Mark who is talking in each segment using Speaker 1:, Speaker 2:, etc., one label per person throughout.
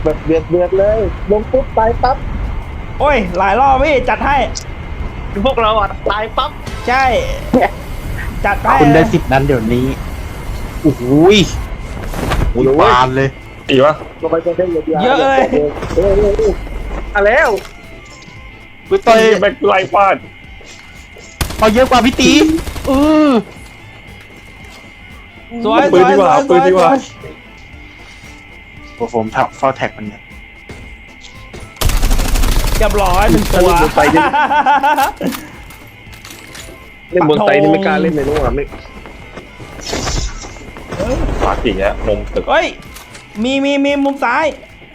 Speaker 1: แบบเดือดเลยลงปุ๊บตายปั๊บ
Speaker 2: โอ้ยหลายรอบพี่จัดให้
Speaker 1: พวกเราอ่ะตายปั๊บ
Speaker 2: ใช่จัดให้
Speaker 3: คุณได้
Speaker 2: นะ
Speaker 3: 10 นั้นเดี๋ยวนี้โอ้โหบานเลย
Speaker 4: ตีวะ
Speaker 1: ลงไปเป็นเยอะแล้ว
Speaker 3: กูต่อย
Speaker 4: แบ็คไลฟ์ฟาด
Speaker 3: เอาเยอะกว่าพี่ตีอ
Speaker 2: สวย
Speaker 4: ปืนดีกว่าปืนดีกว่า
Speaker 3: ผมทับเฝ้าแท็กมันเนี่ย
Speaker 2: เรียบร้อยหนึ่งตัว
Speaker 1: เล่นบนไตนี่ไม่กล้าเล่นในนู้นอ่ะไม่
Speaker 4: ฟาดอีกแล้วมุมตึก
Speaker 2: เฮ้ยมีมุมซ้าย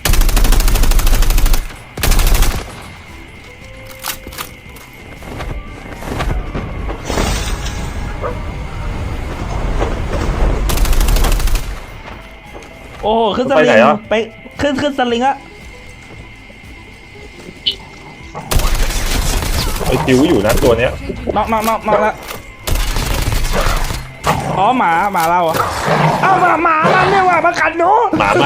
Speaker 2: โอ้โหขึ้นสลิงไปขึ้นสลิงอะ
Speaker 4: ไอ้จิ๋วอยู่นะตัวเนี้ย
Speaker 2: น็อกแล้วอ๋อหมาเราอะเอ้าหมามันเนี่ยว่ะมากัดหนู
Speaker 4: หมามัน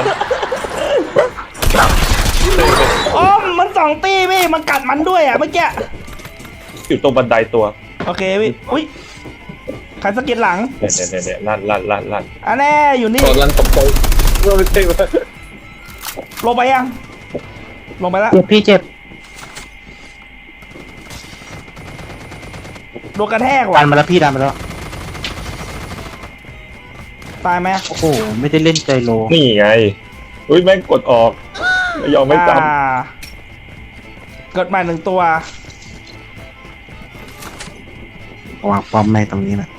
Speaker 2: อ๋อมันสองตีพี่มันกัดมันด้วยอ่ะเมื่อกี้
Speaker 4: อยู่ตรงบันไดตัว
Speaker 2: โอเคพี่อุ้ยใครสะกิดหลัง
Speaker 4: เนี่ยลั่น
Speaker 2: อันแน่อยู่นี่
Speaker 1: ตอนรันตกใจเราไม่ใช่ว่า
Speaker 2: ลงไปยังลงไปแล้ว
Speaker 3: เจ็บพี่เจ็บ
Speaker 2: โดนกระแทก
Speaker 3: ดั
Speaker 2: ว่ะ
Speaker 3: นมาแล้วพี่ดันมาแล้ว
Speaker 2: ตายไหม
Speaker 3: โอ้โหไม่ได้เล่นใจโล
Speaker 4: นี่ไงอุ้ยแม่งกดออกไม่ยอมไม่จ
Speaker 2: เกิดใหม่หนึ่งตัว
Speaker 3: วางป้อมในตรงนี้นะ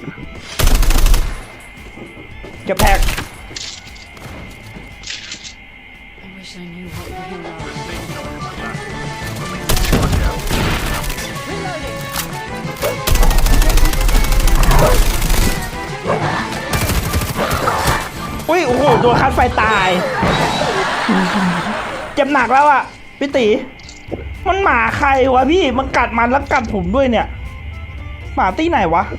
Speaker 2: เก็บแท็ก
Speaker 5: I wish I knew what the hell I was.
Speaker 2: อุ้ยโอ้โหโดนคัดไฟตาย เจ็บหนักแล้วอ่ะพี่ตีมันหมาใครวะพี่มันกัดมันแล้วกัดผมด้วยเนี่ยหมาตี้ไหนวะ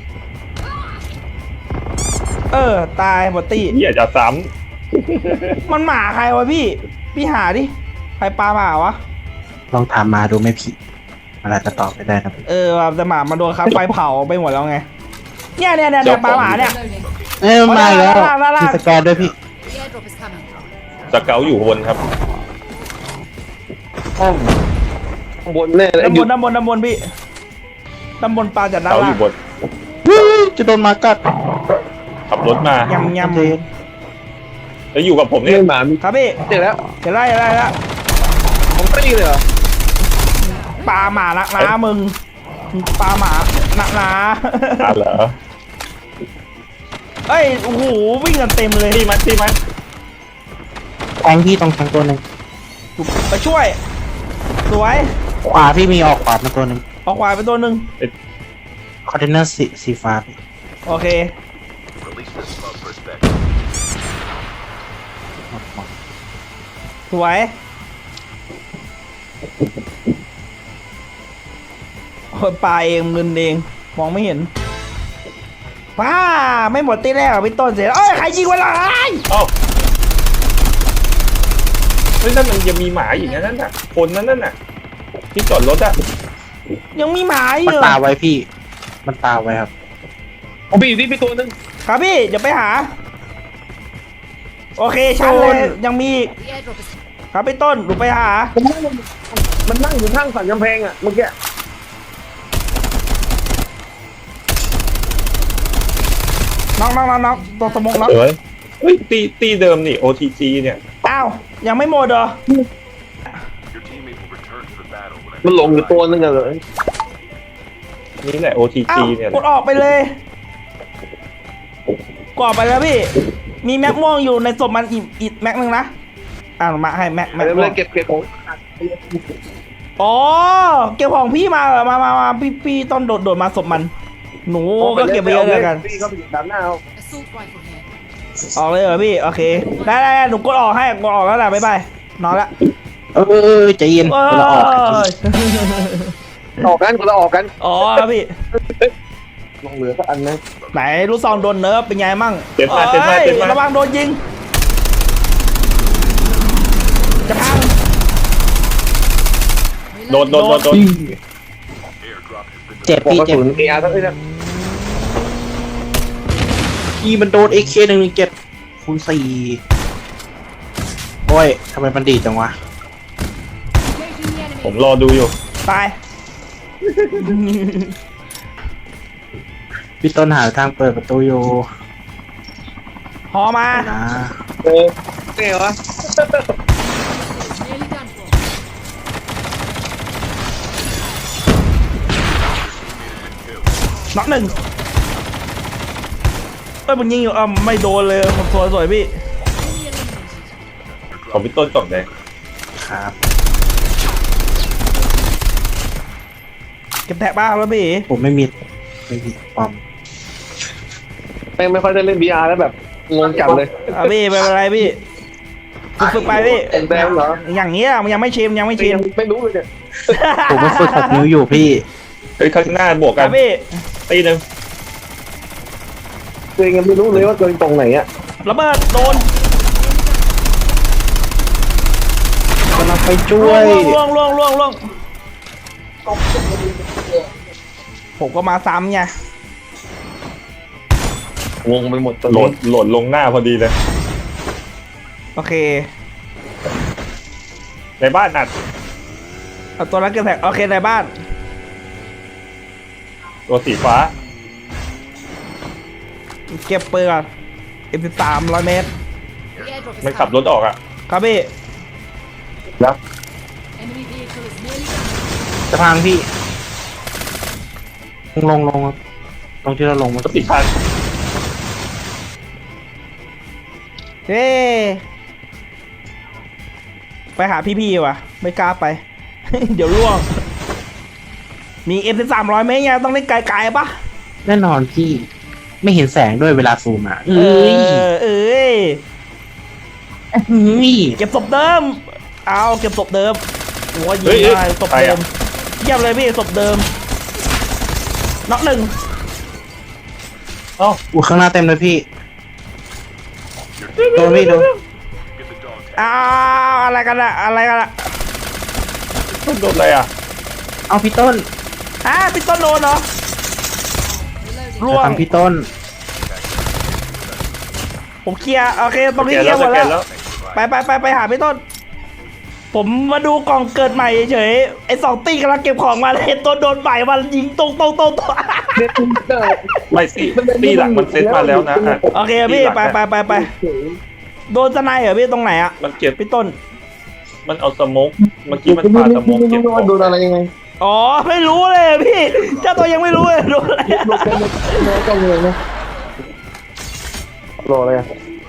Speaker 2: ตายหมดตี้
Speaker 4: ำเหี้ยจะซ้
Speaker 2: มันหมาใครวะพี่หาดิใครปลาหมาวะ
Speaker 3: ลองถามมาดูไหม่ผิดมันอาจจะตอบไม่ได้นะ
Speaker 2: ว่ะแต่หมามันโดนคัดไฟเผาไปหมดแล้วไงเนี่ยปลาหมาเนี่ย
Speaker 5: Reloading.
Speaker 3: มาแล้ว
Speaker 2: ลาก
Speaker 3: มีสแกนด้วยพี่
Speaker 5: The airdrop is coming.
Speaker 4: ำสเกลอยู่บนครับ
Speaker 1: ห้องข้างบนแน่เลย
Speaker 2: ด้านบนพี่ด้านบนปลาจาก
Speaker 4: ส
Speaker 2: ด้าน
Speaker 4: เกลอ
Speaker 2: ล่าง
Speaker 4: ยู่บน
Speaker 3: จะโดนหมากัด
Speaker 4: ขับรถมาย
Speaker 2: ำ
Speaker 3: เจน
Speaker 4: แล้วอยู่กับผม
Speaker 1: เล่
Speaker 4: เนี่ย
Speaker 1: นหมามี
Speaker 2: ครับพี่
Speaker 1: เจอแล้ว
Speaker 2: เดี๋ยวไล่แล้ว
Speaker 1: ของตี้เลยเหรอ
Speaker 2: ปลาหมานักนะมึงปลาหมานักนะ
Speaker 4: เหรอ
Speaker 2: เอ้ยโอ้โหวิ่งกันเต็มเลย
Speaker 4: ตีมัน
Speaker 3: แทงพี่ตรงแทงตัวหนึ่ง
Speaker 2: ไปช่วย สวย
Speaker 3: ขวาพี่มีออกขวามาตัวหนึ่ง
Speaker 2: ออกขวาไปตัวหนึ่ง
Speaker 3: คอนเทนเนอร์สีฟ้าพี่
Speaker 2: โอเคสวยคนปลาเองเงินเองมองไม่เห็นว้าไม่หมดตีแรกพี่ต้นเสร็จเอ้ยใครยิงวะล่ะ
Speaker 4: เอ้าเฮ้ยนั่นมันยังมีหมาอีกนะนั่นน่ะคนนั่นน่ะที่จอดรถอะ
Speaker 2: ยังมีหมาอ
Speaker 3: มัน
Speaker 2: ยู่
Speaker 3: ตาไว้พี่ มันตาไว้ครับ
Speaker 1: ผมไปอยู่ที่พี่ตัวนึง
Speaker 2: ครับพี่เดี๋ยวไปหา โอเคชันเลยยังมีอีก
Speaker 5: The airdrop is
Speaker 2: ครับพี่ต้นหนูไปหา
Speaker 1: มันนั่งอยู่ข้างสันกำแพงอ่ะเมื่อกี้
Speaker 2: น้องตัวสมองน้อง
Speaker 4: เฮ้ยตีเดิมนี่ OTG เนี่ย
Speaker 2: อ้าวยังไม่หมดเหรอ
Speaker 1: มันหลงอยู่ตัวนึงอะเลย
Speaker 4: นี่แหละ
Speaker 2: อ้า
Speaker 4: OTG
Speaker 2: ว
Speaker 4: เนี่ย
Speaker 2: กดออกไปเลยกดออกไปแล้วพี่ มีแม็กม่วงอยู่ในศพมันอีกแม็กนึงนะมาให้แม็ก
Speaker 1: เดี๋ยว
Speaker 2: ม่
Speaker 1: เล
Speaker 2: วย ง
Speaker 1: เก็บของ
Speaker 2: อ๋อเก็บของพี่มาเหรอมาพี่ต้นโดดมาศพมัน หนูก็เก็บไปเยอะเลยกัน
Speaker 1: พี่เขาไปอยู่ด้านหน้าเอา
Speaker 5: assault rifle here.
Speaker 2: ออกเลยเหรอพี่โอเคได้หนูกดออกให้กดออกแล้วแหละบ๊ายบายนอนละ
Speaker 3: ใจเย็น
Speaker 2: เอ
Speaker 3: เราออก
Speaker 1: ออกกันคนละออกกัน
Speaker 2: อ๋อพี่
Speaker 1: ลงเหลือสักอันนะ
Speaker 2: ไหนลูกซองโดนเนิร์ฟเป็นไงมั่ง
Speaker 4: เจ็บมา
Speaker 2: ระวังโดนยิงจะพัง
Speaker 4: โดน
Speaker 3: เจ็บ
Speaker 1: บอก
Speaker 3: พี่
Speaker 1: กระ
Speaker 3: เจ็บ
Speaker 1: สุนเออาร์ทั้งนี้นะ
Speaker 3: พี่มันโดน AK117 คูณ 4โอ้ยทำไมมันดีจังวะ
Speaker 4: ผมรอดูอยู่
Speaker 2: ตาย
Speaker 3: พี่ต้นหาทางเปิดประตูอยู่
Speaker 2: หอมา
Speaker 3: นะ
Speaker 1: เก๋วะ
Speaker 5: Nearly done for.
Speaker 2: น็อกหนึ่งเอ้ยมึงยิงอยู่ไม่โดนเลยผมสวยพี่
Speaker 5: Enemy eliminated.
Speaker 4: ของพี่ต้นกล่องแดง
Speaker 3: ครับ
Speaker 2: เก็บแท็กบ้างแล้วพี่
Speaker 3: ผมไม่มีปอม
Speaker 1: แม่งไม่ค่อยได้เล่น VR แล้วแบบงงจัดเลย
Speaker 2: พี่ไม่เป็นไรพี่ฝึกไปพี่
Speaker 1: แดงเหรอ
Speaker 2: อย่างเงี้ยมันยังไม่ชินยังไม่ชิน
Speaker 1: ยังไม่รู้เลยเนี่ย
Speaker 3: ผมมาฝึก6 นิ้วอยู่พี่
Speaker 4: เฮ้ยข้างหน้าบวก
Speaker 2: ค
Speaker 4: กั
Speaker 2: รั
Speaker 4: น
Speaker 2: บพี่
Speaker 4: ตีหนึ่ง
Speaker 1: ตัวเองยังไม่รู้เลยว่าตัวเองตรงไหนอ่ะ
Speaker 2: ระเบิดโดน
Speaker 3: กำลังไปช่วย
Speaker 2: ล่วงผมก็มาซ้ำไง
Speaker 1: งงไปหมดตัว
Speaker 4: โหล
Speaker 1: นี้
Speaker 4: ดลงหน้าพอดีเลย
Speaker 2: โอเค
Speaker 4: ในบ้านอัด
Speaker 2: เอาตัวนั้นเก็บแท็กโอเคในบ้าน
Speaker 4: ตัวสีฟ้า
Speaker 2: เก็บปืนก่อน M13 100 เมตร
Speaker 5: The airdrop is
Speaker 4: มันขับร
Speaker 5: coming.
Speaker 4: ถออกอ่ะ
Speaker 2: ครับพี่
Speaker 1: แล้ว
Speaker 5: Enemy vehicle is nearly done.
Speaker 3: จะพังพี่ ลงตรงที่เราลงมัน
Speaker 4: รถติดพัน
Speaker 2: เฮ้ไปหาพี่ๆว่ะ ไม่กล้าไป เดี๋ยวล่วง มี M13 100 เมตรไงต้องเล่นไกลๆปะ
Speaker 3: แน่นอนพี่ ไม่เห็นแสงด้วยเวลาซูมอ่ะ
Speaker 2: เออเก็บศพเดิม เอาเก็บศพเดิมโอ้ยยิงได้ศพเดิมเยี่ยมเลยพี่ศพเดิมน็อกหนึ่ง
Speaker 4: เอ้า
Speaker 3: อู้ข้างหน้าเต็มเลยพี่ โดนพี่โดน
Speaker 2: อ้าวอะไรกันอะ
Speaker 4: ต้นโดนอะไรอ่ะ
Speaker 3: เอาพี่ต้น
Speaker 2: พี่ต้นโดนเหรอ
Speaker 5: Reloading.
Speaker 2: ล่ว
Speaker 3: จะ
Speaker 2: ง
Speaker 3: ทำพี่ต้น
Speaker 2: ผมเคลียร์โอเคตรงนี้
Speaker 4: แก
Speaker 2: เคลียร์หมด
Speaker 4: แก
Speaker 2: แล้ว ไปหาพี่ต้น ผมมาดูกล่องเกิดใหม่เฉยๆไอ้2 ตีกำลังเก็บของมาเลยตัวโดนใหม่มันยิงตรง
Speaker 1: เด็ดได้
Speaker 4: ไม่ตีหลังมันเซ็ตมาแล้วนะอ่ะ
Speaker 2: โอเคพี่ไปโดนสไนเหรอพี่ตรงไหนอะ
Speaker 4: มันเก็บ
Speaker 2: พี่ต้น
Speaker 4: มันเอาสโมกเมื่อกี้มันปาสโมกเก็บของ
Speaker 1: โดนอะไรยังไง
Speaker 2: อ๋อไม่รู้เลยพี่เจ้าตัวยังไม่รู้เลยโดนอะไรอะ
Speaker 1: โดนกันโดนกันเลยนะรออะไรอ่ะ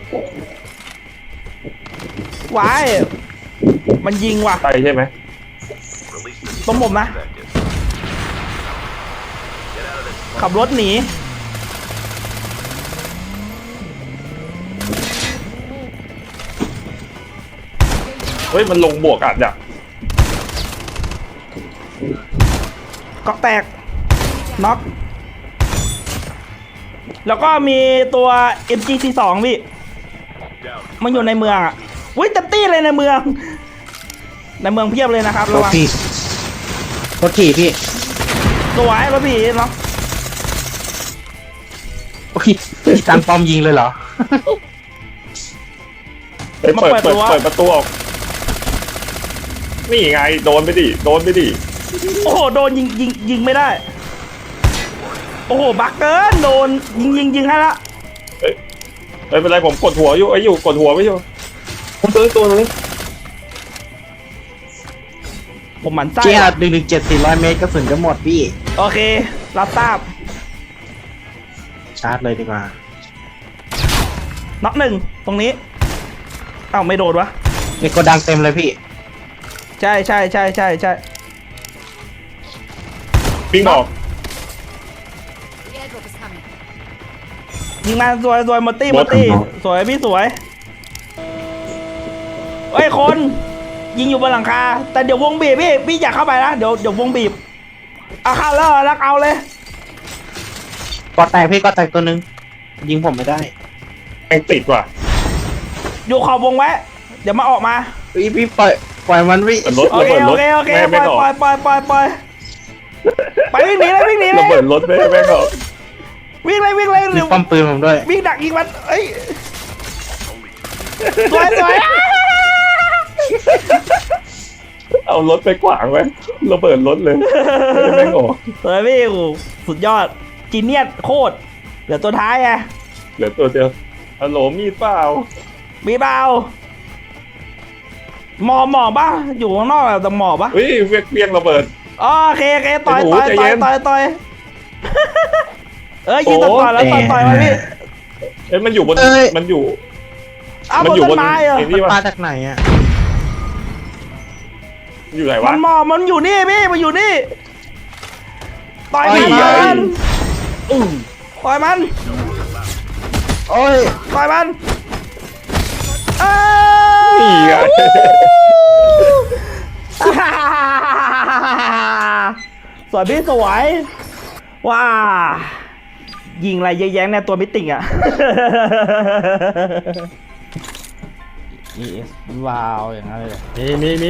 Speaker 2: วายมันยิงว่ะ
Speaker 4: ใช่ใช่ไหม
Speaker 2: ตรงผมนะขับรถหนี
Speaker 4: เฮ้ยมันลงบวกอัดอ่ะ
Speaker 2: เกาะแตกน็อกแล้วก็มีตัว MG42 พี่มันอยู่ในเมืองอ่ะวิ่งเต็มที่เลยในเมืองเพียบเลยนะครับ
Speaker 3: ร
Speaker 2: ระ
Speaker 3: ถ
Speaker 2: วัง
Speaker 3: พี่รถขี่พี่
Speaker 2: สวยรถพี่เนาะ
Speaker 3: โอ้ยพี่ตั้งป้อมยิงเลยเหรอ
Speaker 4: เฮ้ยเปิดประตูออกนี่ไงโดนไปดิ
Speaker 2: โอ้โหโดนยิงไม่ได้ โอ้โหบักเกินโดนยิงให้ละ
Speaker 4: ไม่เป็นไรผมกดหัวอยู่กดหัวไว้อยู่
Speaker 1: ผมตัวนี้
Speaker 2: ผมหมั่นไส้
Speaker 3: เจีย117 400 เมตรกระสุนจะหมดพี่
Speaker 2: โอเครับทราบ
Speaker 3: ชาร์จเลยดีกว่า
Speaker 2: น็อกหนึ่งตรงนี้เอ้าไม่โดนวะ
Speaker 3: มีโกดังเต็มเลยพี่
Speaker 2: ใช่
Speaker 4: วิ่งออก
Speaker 5: The airdrop is coming.
Speaker 2: ยิงมาสวยหมดตี้
Speaker 3: บอส
Speaker 2: สวยพี่สวยเฮ้ยคนยิงอยู่บนหลังคาแต่เดี๋ยววงบีบพี่อยากเข้าไปนะเดี๋ยววงบีบเอาเข้าแล้วเอาเลย
Speaker 3: กอแตกพี่กอแตกตัวหนึงยิงผมไม่ได้
Speaker 4: แม่งติดว่ะ
Speaker 2: อยู่ขอบวงไว้เดี๋ยวมาออกมา
Speaker 3: พี่ปล่อยมันพี่
Speaker 4: รถ
Speaker 2: โอ
Speaker 4: ระ
Speaker 2: เค
Speaker 4: เบิด
Speaker 2: โอ
Speaker 4: รถ
Speaker 2: เคโอเค
Speaker 4: แม่
Speaker 2: ปล่
Speaker 4: ไม่
Speaker 2: อย
Speaker 4: ออก
Speaker 2: ปล่อยปล่อยปล่อยไปวิ่งหนีเลยวิ่งหนีเล
Speaker 4: ระ
Speaker 2: ย
Speaker 4: เบิดรถแม่ออก
Speaker 2: วิ่งเลยวิ่งเลย
Speaker 3: มี
Speaker 2: เร็ว
Speaker 3: ป้อมปืนผมด้วย
Speaker 2: วิ่งดักยิงมันเอ้ยสวยสวย
Speaker 4: เอารถไปขวางไว้ระเบิดรถเลยแม่งออก
Speaker 2: สวยพี่โอ้สุดยอดจีเนียสโคตรเหลือตัวท้ายไง
Speaker 4: เหลือตัวเดียวฮัลโหลมีดเปล่า
Speaker 2: มีเบาหมอป่ะอยู่ข้างนอกแต่หมอป่ะ
Speaker 4: เฮ้ยเวียงระเบิด
Speaker 2: อ๋อโอเคโอเคต่อย
Speaker 4: ไอ้หนู
Speaker 2: ต่อย
Speaker 4: ใจ
Speaker 2: ต่
Speaker 4: เย็
Speaker 2: อย
Speaker 4: น
Speaker 2: ต่อยต่อยเอ้ยยิง
Speaker 4: โอ้
Speaker 2: ต่อยแล้วต่อยมาพี่
Speaker 4: เอ้ยมันอยู่บน
Speaker 3: เอ้ย
Speaker 4: มันอยู่
Speaker 2: เอา
Speaker 4: มั
Speaker 2: บน
Speaker 4: อยู่
Speaker 2: ต้นไม้เหรอ
Speaker 4: ไอ้นี่
Speaker 3: มา
Speaker 4: วะ
Speaker 3: จากไหนอ่ะ
Speaker 4: อยู่ไหน
Speaker 2: มั
Speaker 4: วะ
Speaker 2: นหมอมันอยู่นี่พี่มันอยู่นี่ต่อย
Speaker 3: โอ้
Speaker 2: มัน
Speaker 3: ย
Speaker 2: ต่อยมัน
Speaker 3: โอ้ย
Speaker 2: ต่อยมันเอ้
Speaker 4: นี่ไง
Speaker 2: สวยพี่สวยว้ายิงอะไรเยอะแยะเนี่ยตัวมิติงอ่ะ ES ว้าวอย่างนั้นเลยเหรอ
Speaker 1: มีนะ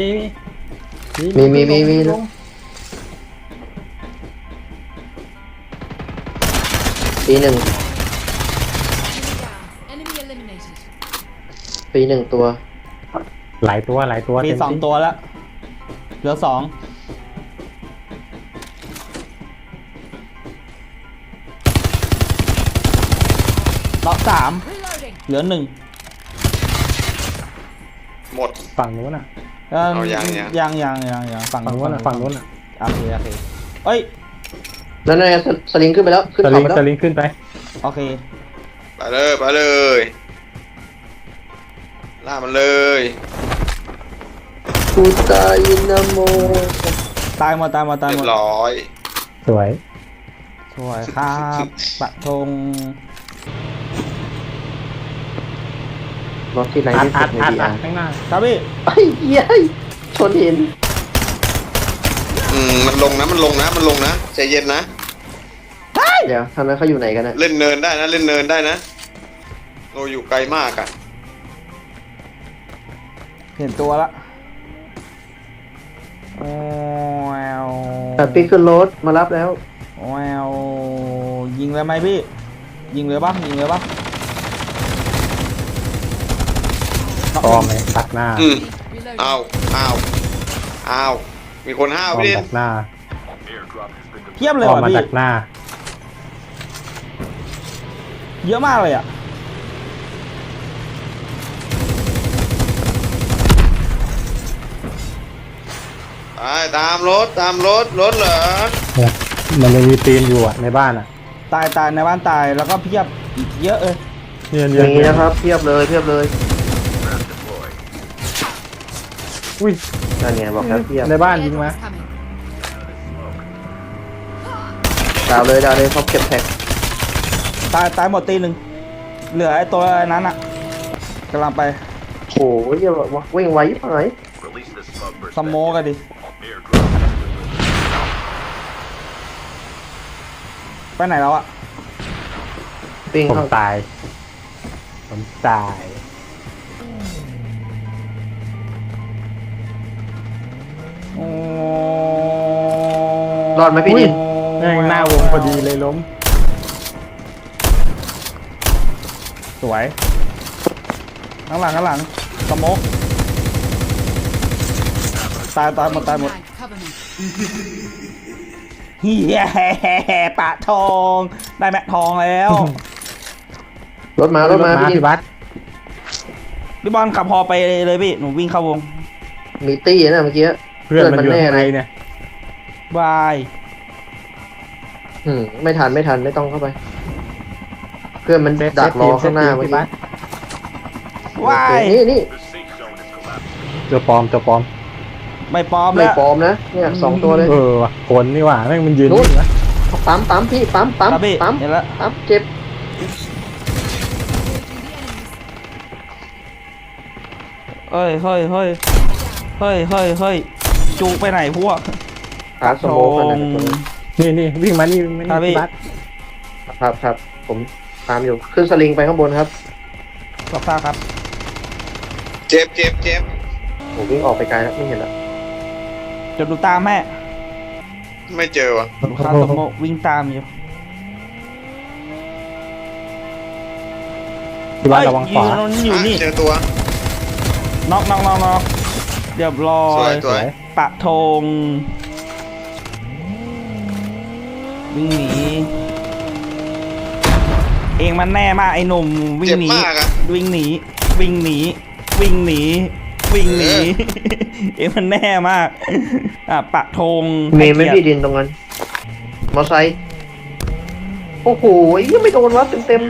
Speaker 1: ปีหนึ่ง
Speaker 5: Enemy eliminated.
Speaker 1: ปีหนึ่งตัว
Speaker 6: หลายตัว
Speaker 2: มีสองตัวแล้วเหลือสองล็อกสาม
Speaker 5: Reloading.
Speaker 2: เหลือหนึ่ง
Speaker 7: หมด
Speaker 6: ฝั่งนู้นน่ะ
Speaker 7: เอายัง
Speaker 2: ยังฝั่ง
Speaker 6: ฝั่งนู้นน่ะฝั่งนู้นน่ะ
Speaker 2: โอเคโอเคเอ้ย
Speaker 1: นั่นไงสลิงขึ้นไปแล้ว ขึ้น
Speaker 6: ส
Speaker 1: เขา
Speaker 6: ลิง
Speaker 1: ไปแล้ว
Speaker 6: สลิงขึ้นไป
Speaker 2: โอเค
Speaker 7: ไปเลยไปเลยล่ามันเลย
Speaker 1: กูตายนะโม
Speaker 2: ตายหมด
Speaker 7: เรียบร้อย
Speaker 6: สวย
Speaker 2: สวยครับปะทง
Speaker 1: รถที่ไหน
Speaker 6: อัด
Speaker 1: ที่
Speaker 6: อั
Speaker 1: สุ
Speaker 6: ด
Speaker 1: ดใน
Speaker 6: อัด
Speaker 1: ดีอาร์
Speaker 6: ข้างหน้า
Speaker 2: ครับพี่
Speaker 1: ไอ้เหี้ยชนหิน
Speaker 7: มันลงนะมันลงนะใจเย็นนะ
Speaker 1: เดี๋ยวทำนั้นเขาอยู่ไหนกันนะ
Speaker 7: เล่นเนินได้นะเล่นเนินได้นะเราอยู่ไกลมากอ่ะ
Speaker 2: เห็นตัวละแวว
Speaker 1: แต่ปีขึ้นรถมารับแล้ว
Speaker 2: แววยิงเลยไหมพี่ ยิงเลยปะยิงเลยปะ
Speaker 6: ปลอมเลยตัดหน้า
Speaker 5: Reloading.
Speaker 7: อ้าวมีคนห้าว
Speaker 6: ปลอม
Speaker 7: พี่
Speaker 6: ตัดหน้า
Speaker 2: เทียบ
Speaker 6: ป
Speaker 2: เลย
Speaker 6: ลอม
Speaker 2: ว่ะ
Speaker 6: มา
Speaker 2: พี่
Speaker 6: ตัดหน้า
Speaker 2: เยอะมากเลยอ่ะ
Speaker 7: ไปตามรถรถเหรอ
Speaker 6: เนี่ยมันยังมีตีนอยู่อ่ะในบ้านอ่ะ
Speaker 2: ตายในบ้านตายแล้วก็เพียบอีกเยอะเลย
Speaker 6: เนี่ย
Speaker 1: อ
Speaker 6: เนี่ย
Speaker 1: ย่างนี้นะครับเทียบเลยเทียบเลย
Speaker 6: อุ้ย
Speaker 1: นั่นไงบอกแล้วเทียบ
Speaker 6: ในบ้านยิงมา
Speaker 5: Airdrop's coming.
Speaker 1: ดาวเลยเขาเก็บแท็ก
Speaker 2: ตายหมดตีหนึ่งเหลือไอ้ตัวนั้นอ่ะกำลังไป
Speaker 1: โอ้ยอย่าวิ่งไวไปไหน
Speaker 2: สโมกันดิไปไหนแล้วอ่ะ
Speaker 1: ปิ้ง
Speaker 6: ผม
Speaker 1: เข้า
Speaker 6: ตายผมตาย
Speaker 2: โอ้
Speaker 1: รอดไหมพี่นิน
Speaker 6: แม่งหน้าวงพอดีเลยล้ม
Speaker 2: สวยข้างหลังสโมกตายหมด
Speaker 5: Tag, cover me.
Speaker 2: เฮียปะทองได้แม็กทองแล้ว
Speaker 1: รถมาพี่นิน
Speaker 6: พี่บัส
Speaker 2: พี่บอลขับพอไปเลยพี่หนูวิ่งเข้าวง
Speaker 1: มีตี้นะเมื่อกี้
Speaker 6: เพื่อนมันอยู่
Speaker 1: แน่
Speaker 6: ข้างใน
Speaker 1: เลย
Speaker 6: เนี่ย
Speaker 2: บาย
Speaker 1: ไม่ทันไม่ต้องเข้าไป เพื่อนมันดักรอข้างหน้าเมื่อ
Speaker 6: พี่
Speaker 1: กี้
Speaker 6: บัส
Speaker 2: วาย
Speaker 1: นี่
Speaker 6: ตัวปลอม
Speaker 2: ไม่ปลอม
Speaker 1: ไม่
Speaker 2: แล้ว
Speaker 1: ปลอมนะเนี่ย2ตัวเลย
Speaker 6: ว่ะคนนี่หว่าแม่งมันยืน
Speaker 1: นู้น
Speaker 6: อยู่นะ
Speaker 1: ปั๊มพี่ปั๊ม
Speaker 2: ครับพี่
Speaker 1: ปั๊ม
Speaker 2: เห็นแล้ว
Speaker 1: ปั๊มเจ็บ
Speaker 5: Engaging the enemies.
Speaker 2: เฮ้ยจูไปไหนพวก
Speaker 1: ขาสโมกกันนะ
Speaker 6: นี่วิ่งมานี่
Speaker 2: ครับพี่
Speaker 6: พี่บัส
Speaker 1: ครับผมตามอยู่ขึ้นสลิงไปข้างบนครับ
Speaker 2: รับทราบครับ
Speaker 7: เจ็บเจ็บเจ็บ
Speaker 1: โหวิ่งออกไปไกลแล้วไม่เห็นแล้ว
Speaker 2: เดี๋ยวดูตามแม่
Speaker 7: ไม่เจอวะ
Speaker 2: คาโตโมะวิ่งตามอยู่
Speaker 6: ที่บ้านระวังขวา
Speaker 2: เฮ้ยอยู่นี่
Speaker 7: เจอตัว
Speaker 2: น็อกเรียบร้อ
Speaker 7: สวย
Speaker 2: ย
Speaker 7: สวย
Speaker 2: ปะธงวิ่งหนีเองมันแน่มากไอ้หนุ่มวิ่ง
Speaker 7: เจ็บ
Speaker 2: หนี
Speaker 7: มากอะ
Speaker 2: วิ่งหนีวิ่งหนีวิ่งหนีวิ่งหนี เองมันแน่มากปะธง
Speaker 1: เมย์ไม่
Speaker 2: ให้
Speaker 1: พี่
Speaker 2: เกียรติ
Speaker 1: ดินตรงนั้น มอไซค์โอ้โหยังไม่โดนวะเต็ม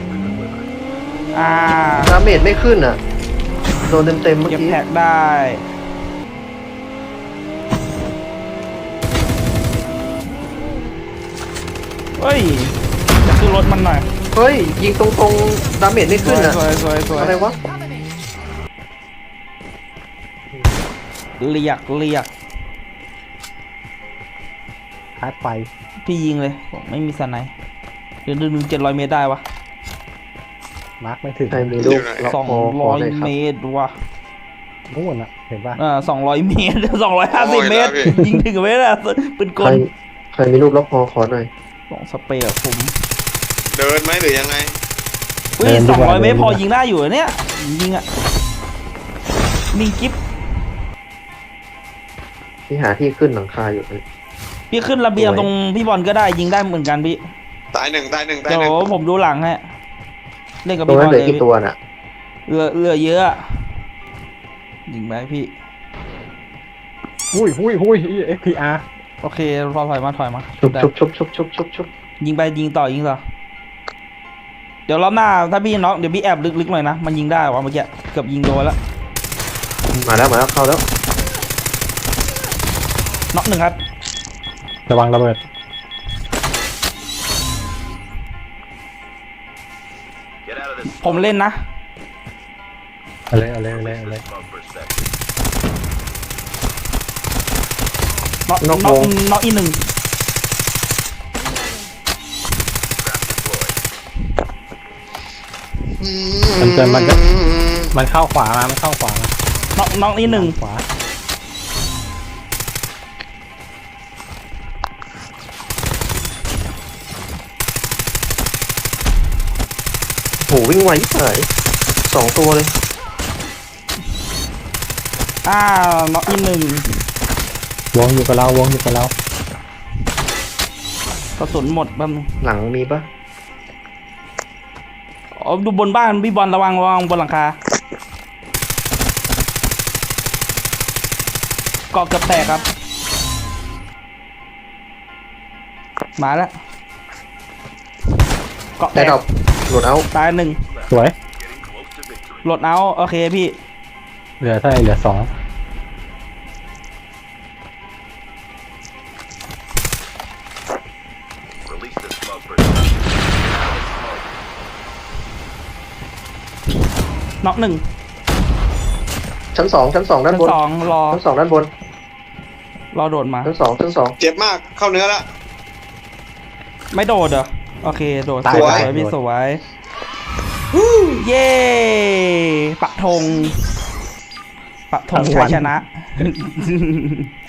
Speaker 1: ดาเมจไม่ขึ้นอ่ะ โดนเต็มเมื่อ
Speaker 2: เก็บ
Speaker 1: กี้
Speaker 2: แท็กได้เฮ้ยจะขึ้นรถมันหน่อย
Speaker 1: เฮ้ย ยิงตรงๆ ดาเมจไม่ขึ้นอ่ะ
Speaker 2: สวย
Speaker 1: อะไรวะ
Speaker 2: เรียก
Speaker 6: คาดไฟ
Speaker 2: พี่ยิงเลยผมไม่มีสไนป์เดี๋ยวดึง700 เมตรได้วะ
Speaker 6: มาร์กไม่ถึง
Speaker 1: ใครมีลูกล็อกคอขอเลยค
Speaker 2: 200
Speaker 1: รับ
Speaker 2: เมตรวะ
Speaker 6: นู่นอะเห็นป่ะ
Speaker 2: 200 เมตร 250 เมตร ยิงถึงเมตรอะปืนก
Speaker 1: ใคร
Speaker 2: ล
Speaker 1: ใครมีลูกล็อกคอขอหน่อย
Speaker 2: ของสเปรย์อะผม
Speaker 7: เดินไหมหรือยังไง
Speaker 2: อุ้ย200 เมตรพอยิงได้อยู่อะเนี่ยยิงอะนิ่งกิ๊บ
Speaker 1: ที่หาที่ขึ้นหลังคาอยู่เลย
Speaker 2: พี่ขึ้นระเบียง
Speaker 1: สวย
Speaker 2: ตรงพี่บอลก็ได้ยิงได้เหมือนกันพี่
Speaker 7: ตายหนึ่งตายหนึ่งตาย
Speaker 2: เดี๋ย
Speaker 7: หนึ่ง
Speaker 2: วผมดูหลังให้เล่นกับ
Speaker 1: ตรง
Speaker 2: พี่บ
Speaker 1: นั้
Speaker 2: อน ล
Speaker 1: เหลื
Speaker 2: เล
Speaker 1: อย กี่ตัวน่ะ
Speaker 2: เหลือเยอะอะยิงไปพี่
Speaker 6: หุ้ยFPR
Speaker 2: โอเคพอถอยมา
Speaker 1: ชุบ
Speaker 2: ได้
Speaker 1: ชุบ
Speaker 2: ยิงไปยิงต่อเดี๋ยวรอบหน้าถ้าพี่น็อกเดี๋ยวพี่แอบลึกๆหน่อยนะมันยิงได้วะเมื่อกี้เกือบยิงโดนแล้ว
Speaker 1: มาแล้วเข้าแล้ว
Speaker 2: น็อกหนึ่งครับ
Speaker 6: ระวังระเบิด
Speaker 2: ผมเล่นนะ
Speaker 6: เอาเลย
Speaker 2: น็อกอีกหนึ่ง
Speaker 6: มันเข้าขวามามันเข้าขวามา
Speaker 2: น็อกอีกหนึ่ง
Speaker 6: ขวา
Speaker 1: โหวิ่งไวที่ไหน2 ตัวเลย
Speaker 2: น็อกอีกหนึ่ง
Speaker 6: วงอยู่กับเรา
Speaker 2: กระสุนหมดแป๊บนึง
Speaker 1: หลังมีปะ
Speaker 2: อ๋อดูบนบ้านพี่บอลระวังบนหลังคาเกาะเกือบแตกครับมาแล้วเกาะแต
Speaker 1: แต่
Speaker 2: ก
Speaker 1: ดอกโหลดเอา
Speaker 2: ตายหนึ่ง
Speaker 6: สวย
Speaker 2: โหลดเอาโอเคพี่
Speaker 6: เหลือเท่าไหร่เหลือ 2
Speaker 2: น็อกหนึ่ง
Speaker 1: ชั้น 2 ด้านบ
Speaker 2: ชั้
Speaker 1: น
Speaker 2: นสองรอ
Speaker 1: ชั้น 2 ด้านบน
Speaker 2: รอโดดมา
Speaker 1: ชั้น 2
Speaker 7: เจ็บมากเข้าเนื้อละ
Speaker 2: ไม่โดดเหรอโอเคโดด
Speaker 6: ตาย
Speaker 2: สวย
Speaker 6: ตาย
Speaker 2: พี่
Speaker 6: โดด
Speaker 2: สวยเย้ปะธงชัยชนะ